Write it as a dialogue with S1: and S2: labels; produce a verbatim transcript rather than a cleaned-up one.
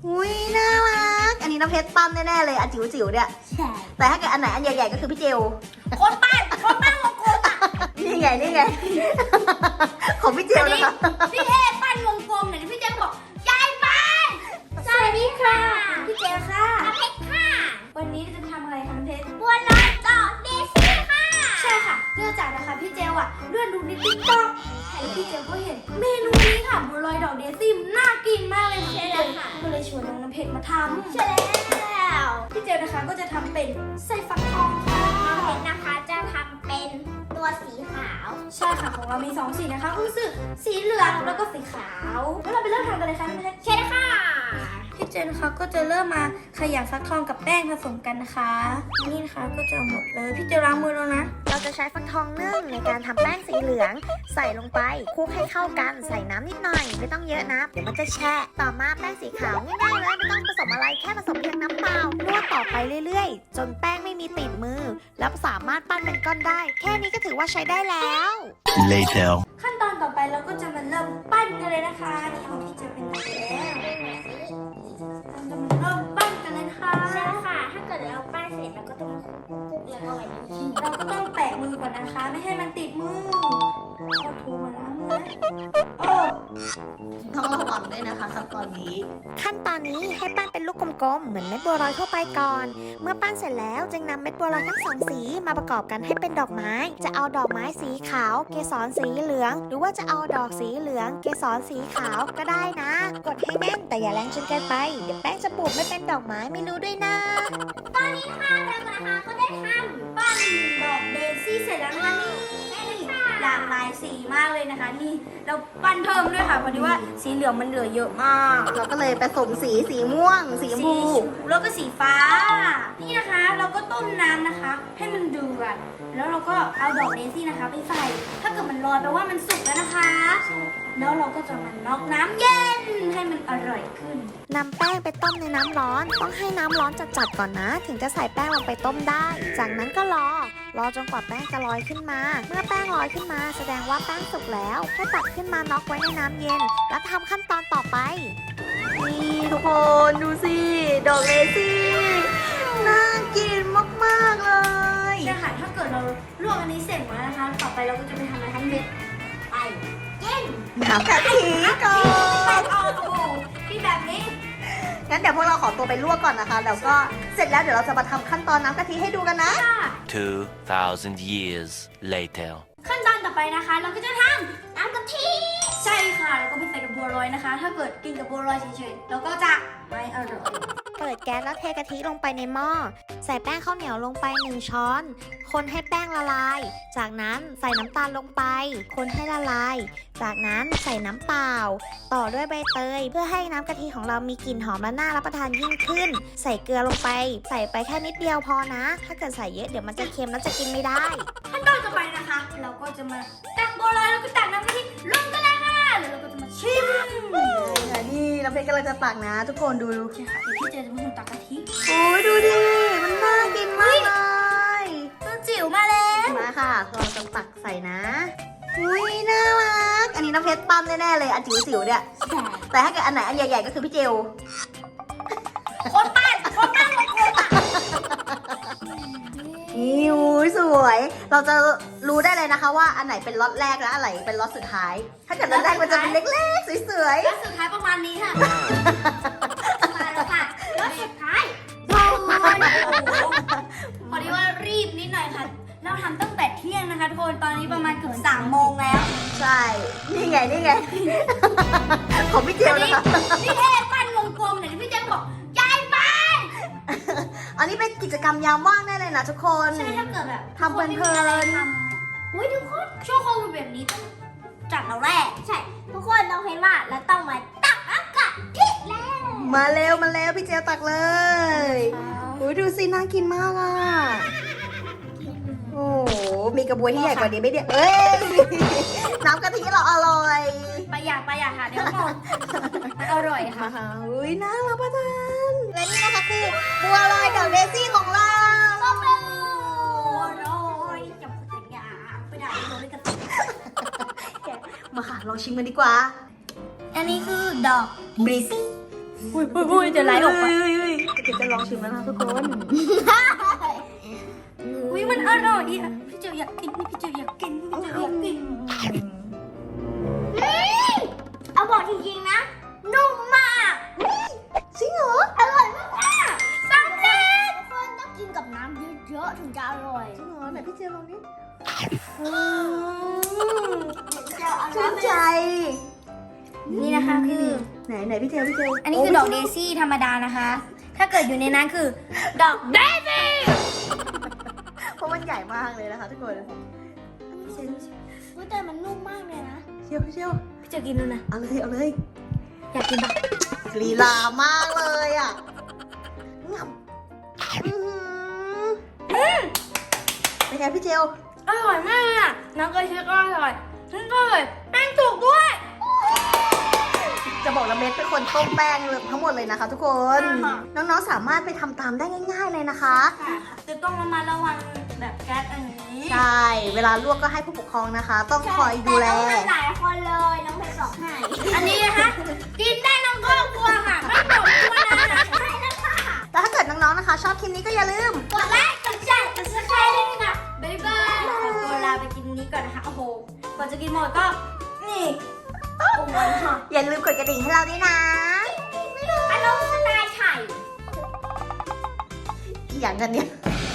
S1: อุ้ยน่ารักอันนี้น้ำเพชรปั้นแน่ๆเลยอันจิ๋วๆเนี่ย
S2: ใช่
S1: แต่ถ้าเกิดอันไหนอันใหญ่ๆก็คือพี่เจล
S2: คนปั้นคนปั้นวงกลมอ่ะ
S1: นี่ไงนี่ไง ของพี่เจลนะคะ
S2: พี่เอปั้นวงกลมเนี่ยพี่เจลบอกยายปั้นสวัสดีค่ะพี่เจลค่ะเพชรค่ะวันนี้จะทำอะไรคะเพชรบัวลอยต่อเดซี่ค่ะใช่ค่ะเนื่องจากนะคะพี่เจลอ่ะเลื่อนดูในติ๊กต็อกแล้วพี่เจลก็เห็นเมนูนี้ค่ะบัวลอยดอกเดซี่น่ากินมากเลยค่ะใช่แล้วค่ะก็เลยชวนน้องน้ำเพชรมาทำใช่แล้วพี่เจลนะคะก็จะทำเป็นไส้ฟักทองค่ะเพชรนะคะจะทำเป็นตัวสีขาวใช่ค่ะของเรามีสองสีนะคะก็คือสีเหลืองแล้วก็สีขาวแล้วเราไปเริ่มทำกันเลยค่ะพี่เพชรใช่ค่ะพี่เจนนะคะก็จะเริ่มมาขยำฟักทองกับแป้งผสมกันนะคะนี่นะคะก็จะหมดเลยพี่เจล้างมือแล้วนะ
S3: เราจะใช้ฟักทองนึ่งในการทำแป้งสีเหลืองใส่ลงไปคลุกให้เข้ากันใส่น้ำนิดหน่อยไม่ต้องเยอะนะเดี๋ยวมันจะแฉะต่อมาแป้งสีขาวง่ายๆเลยไม่ต้องผสมอะไรแค่ผสมเพียงน้ำเปล่านวดต่อไปเรื่อยๆจนแป้งไม่มีติดมือแล้วสามารถปั้นเป็นก้อนได้แค่นี้ก็ถือว่าใช้ได้แล้ว
S4: Later
S2: ขั้นตอนต่อไปเราก็จะมาเริ่มปั้นกันเลยนะคะนี่ของพี่เจเป็นตัดแล้วเราจะมาเริ่มปั้นกันเลยค่ะใช่ค่ะ ถ้าเกิดเราปั้นเสร็จเราก็ต้องคลุกแล้วก็ไว้เราก็ต้องแปะมือก่อนนะคะไม่ให้มันติดมือเอาถูมาล้างมือนะโอ้
S1: ต้องระวังด้วยนะคะขั้นตอนนี้
S3: ขั้นตอนนี้ให้ปั้นเป็นลูกกลมๆเหมือนเม็ดบัวลอยทั่วไปก่อนเมื่อปั้นเสร็จแล้วจึงนำเม็ดบัวลอยทั้งสองสีมาประกอบกันให้เป็นดอกไม้จะเอาดอกไม้สีขาวเกสรสีเหลืองหรือว่าจะเอาดอกสีเหลืองเกสรสีขาวก็ได้นะกดให้แน่นแต่อย่าแรงจนเกินไปเดี๋ยวแป้งจะปูดไม่เป็นดอกไม้ไม่รู้ด้วยนะ
S2: ตอนนี้ค่ะเรานะคะก็ได้ทำปั้นดอกเดซี่เสร็จแล้วนะคะนี่หลากหลายสีมากเลยนะคะนี่เราปั้นเพิ่มด้วยค่ะเพราะที่ว่าสีเหลืองมันเหลือเยอะมาก
S1: เราก็เลยผสมสีสีม่วง สีชม
S2: สี
S1: พู
S2: ชมพูแล้วก็สีฟ้า นี่นะคะเราก็ต้มน้ำนะคะ ให้มันเดือดแล้วเราก็เอาดอกเดซี่นะคะ ไปใส่ ถ้าเกิดมันลอยแปลว่ามันสุกแล้วนะคะ แล้วเราก็จะมาน็อกน้ำเย็นให้มันอร่อยขึ้น
S3: นำแป้งไปต้มในน้ำร้อน ต้องให้น้ำร้อนจัดๆก่อนนะ ถึงจะใส่แป้งลงไปต้มได้ จากนั้นก็รอ รอจนกว่าแป้งจะลอยขึ้นมา เมื่อแป้งลอยขึ้นมาแสดงว่าแป้งสุกแล้วให้ตักขึ้นมาน็อกไว้ในน้ำเย็น แล้วทำขั้นตอนต่อไป
S1: นี่ทุกคนดูสิ ดอกเลซี่ น่ากินมากๆเลย
S2: ใช่ค่ะ ถ้าเกิดเราลวกอันนี้เสร็จหมดแล้วนะคะ ต่อไปเราก็จะไปทำอะไรคะเม็ดไปเย็น
S1: น้ำกะทิก่อน
S2: เอาโอ้โหที่แบบนี้
S1: งั้นเดี๋ยวพวกเราขอตัวไปลวกก่อนนะคะ แล้วก็เสร็จแล้วเดี๋ยวเราจะมาทำขั้นตอนน้ำกะทิให้ดูกันนะ
S4: two thousand years later
S2: ขั้นตอนต่อไปนะคะ เราก็จะทำน้ำกะทิใช่ค่ะแล้วก็ไปใส่กับบัวลอยนะคะ ถ้าเกิดกินกับบัวลอยเฉยๆเราก็จะไม่อร่อย
S3: เปิดแก๊สแล้วเทกะทิลงไปในหม้อ ใส่แป้งข้าวเหนียวลงไปหนึ่งช้อน คนให้แป้งละลาย จากนั้นใส่น้ำตาลลงไป คนให้ละลาย จากนั้นใส่น้ำเปล่า ต่อด้วยใบเตย เพื่อให้น้ำกะทิของเรามีกลิ่นหอมและน่ารับประทานยิ่งขึ้น ใส่เกลือลงไป ใส่ไปแค่นิดเดียวพอนะ ถ้าเกิดใส่เยอะเดี๋ยวมันจะเค็มแล้วจะกินไม่ได้
S2: ขั้นตอนต่อไปนะคะ เราก็จะมาตักบัวลอยแล้วก็ตักน้ำกะทิลงกันเลยค่ะแล้วเราก็จะมาชิม
S1: ค่ะนี่น้ำเพชรกำลังจะตักนะ ทุกคนดู
S2: ใช่ค่ะเดี๋ยวพี่เจจะเป็นคนตักกะทิ
S1: โอ้ยดูดิ มันน่ากินมากเลย
S2: ตัวจิ๋วมาแล้ว
S1: มาค่ะเราจะตักใส่นะ อุ้ยน่ารัก อันนี้น้ำเพชรปั้นแน่ๆเลยอันจิ๋วๆเนี่ย แต่ถ้าเกิดอันไหนอันใหญ่ๆก็คือพี่เจล
S2: คนปั้นคนปั้นคนปั้นอ่ะ
S1: นี่อุ้ยสวย เราจะรู้ได้เลยนะคะว่าอันไหนเป็นล็อตแรกและอันไหนเป็นล็อตสุดท้าย ถ้าเกิดล็อตแรกมันจะเป็นเล็กๆสวย
S2: แล้วสุดท้ายประมาณนี้ค่ะมาแล้วค่ะแล้วสุดท้ายโอ้โหพอดีว่ารีบนิดหน่อยค่ะ เราทำตั้งแต่เที่ยงนะคะทุกคน ตอนนี้ประมาณเกือบสามโมงแล้ว
S1: ๆ ใช่ นี่ไงนี่ไง ของพี่เจลนะคะ
S2: พี่เทพปั้นวงกลมเนี่ยพี่เจมบอกยายปั้น
S1: อันนี้เป็นกิจกรรมยามว่างแน่เลยนะทุกคน
S2: ใช่ถ้าเกิดแบบ
S1: ทำเพลินๆ
S2: ทำอุ้ยทุกคนช่วงโควิดแบบนี้ต้องจัดเราแรกใช่ ทุกคนต้องเห็นว่าเราต้องมาตักน้ำกะทิแล้ว
S1: มาเร็วมาเร็วพี่เจลตักเลยอุ้ยดูสิน่ากินมากอ่ะ โอ้โห มีกระบวยที่ใหญ่กว่านี้ไหมเนี่ยเอ้ย น้ำกะทิเราอร่อย
S2: ประหยัดประหยัดค่ะเดี๋ยวหมดมันอร่อยค่ะ
S1: มาอุ้ยน่ารับประทานและนี่นะคะคือบัวลอยดอกเดซี่ของเรา
S2: ส้มเลยอร่อยจับสัญญาไปได้เลยกัน
S1: มาค่ะลองชิมกันดีกว่า
S2: อันนี้คือดอก
S1: บริซี่
S2: อุ้ยอุ้ยอุ้ยจะไหลออกมา
S1: เฮ้ยเฮ้ยเฮ้ยเดี๋ยวจะลองชิมแล้วนะทุกคน
S2: อุ้ยมันอร่อยดีอ่ะพี่เจียวอยากกินพี่เจียวอยากกินพี่เจียวอยากกินเอาบอกจริงๆนะนุ่มมาก
S1: จริงเหรอ
S2: อร่อยมากๆสำเร็จทุกคนต้องกินกับน้ำเยอะๆถึงจะอร่อย
S1: จริงเหรอไหนพี่เจลองดิ
S2: จะเอา
S1: ชื่น
S2: น้ำ
S1: ใจ
S2: นี่นะคะคือ
S1: ไหนไหนพี่เจลพี่เจล
S2: อันนี้คือดอกเดซี่ธรรมดานะคะ ถ้าเกิดอยู่ในนั้นคือ ดอกเดซี่
S1: เพราะมันใหญ่มากเลยนะคะทุกคนพี่เจล
S2: อุ้ยแต่มันนุ่มมากเลยนะ
S1: เชียวพี่เจล
S2: พี่จะกินแล้วนะ
S1: เอาเลยเอาเลย
S2: อยากกินปะ
S1: ลีลามากเลยอ่ะงับอื้อหือเป็นไงพี่เจล
S2: อร่อยมากเลยอ่ะน้ำกระเทียมก็อร่อยฉันก็เลยแป้งถูกด้วย
S1: จะบอกนะเม็ดเป็นคนต้มแป้งทั้งหมดเลยนะคะทุกคน
S2: อ่า
S1: น้องๆสามารถไปทำตามได้ง่าย ๆเลยนะคะ
S2: จะต้องระมัดระวังแบบแก๊สอันนี้
S1: ใช่ เวลาลวกก็ให้ผู้ปกครองนะคะ ต้องคอยดูแล
S2: หลายคนเลยน้องเพชรบอกให้อันนี้นะคะกินได้น้องครอบครัวค่ะไม่บอกตัวนะใช่แล้วค่ะ
S1: แต่ถ้าเกิดน้องๆนะคะ ชอบคลิปนี้ก็อย่าลืม
S2: กดไลค์กดแชร์กดซับสไครต์ด้วยนะคะบ๊ายบายขอตัวลาไปกินนี้ก่อนนะคะโอ้โหก่อนจะกินหมดก็นี่โอ้โหค่ะ
S1: อย่าลืมกดกระดิ่งให้เราด้วยนะ
S2: อารมณ์สไตล์ไทย
S1: อีกอย่างกันเนี่ย
S2: อ